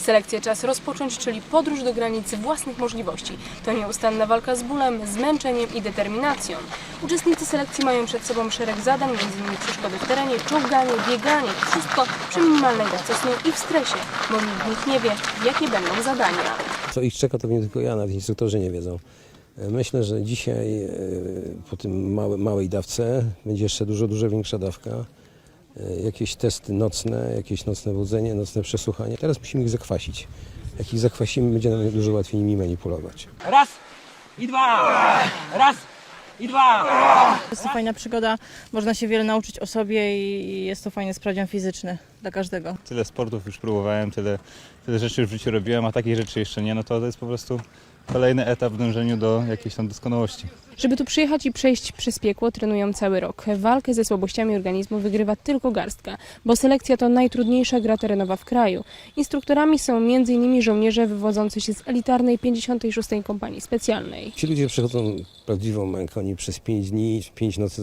Selekcję czas rozpocząć, czyli podróż do granicy własnych możliwości. To nieustanna walka z bólem, zmęczeniem i determinacją. Uczestnicy selekcji mają przed sobą szereg zadań, m.in. przeszkody w terenie, czołganie, bieganie. Wszystko przy minimalnej dawce snu i w stresie, bo nikt z nich nie wie, jakie będą zadania. Co ich czeka, to nie tylko ja, nawet instruktorzy nie wiedzą. Myślę, że dzisiaj po tym małej dawce będzie jeszcze dużo większa dawka. Jakieś testy nocne, jakieś nocne budzenie, nocne przesłuchanie. Teraz musimy ich zakwasić. Jak ich zakwasimy, będzie nam dużo łatwiej nimi manipulować. Raz i dwa! Raz i dwa! Jest to fajna przygoda, można się wiele nauczyć o sobie i jest to fajny sprawdzian fizyczny dla każdego. Tyle sportów już próbowałem, tyle rzeczy już w życiu robiłem, a takich rzeczy jeszcze nie, no to jest po prostu kolejny etap w dążeniu do jakiejś tam doskonałości. Żeby tu przyjechać i przejść przez piekło, trenują cały rok. Walkę ze słabościami organizmu wygrywa tylko garstka, bo selekcja to najtrudniejsza gra terenowa w kraju. Instruktorami są m.in. żołnierze wywodzący się z elitarnej 56. Kompanii Specjalnej. Ci ludzie przechodzą prawdziwą mękę. Oni przez 5 dni, 5 nocy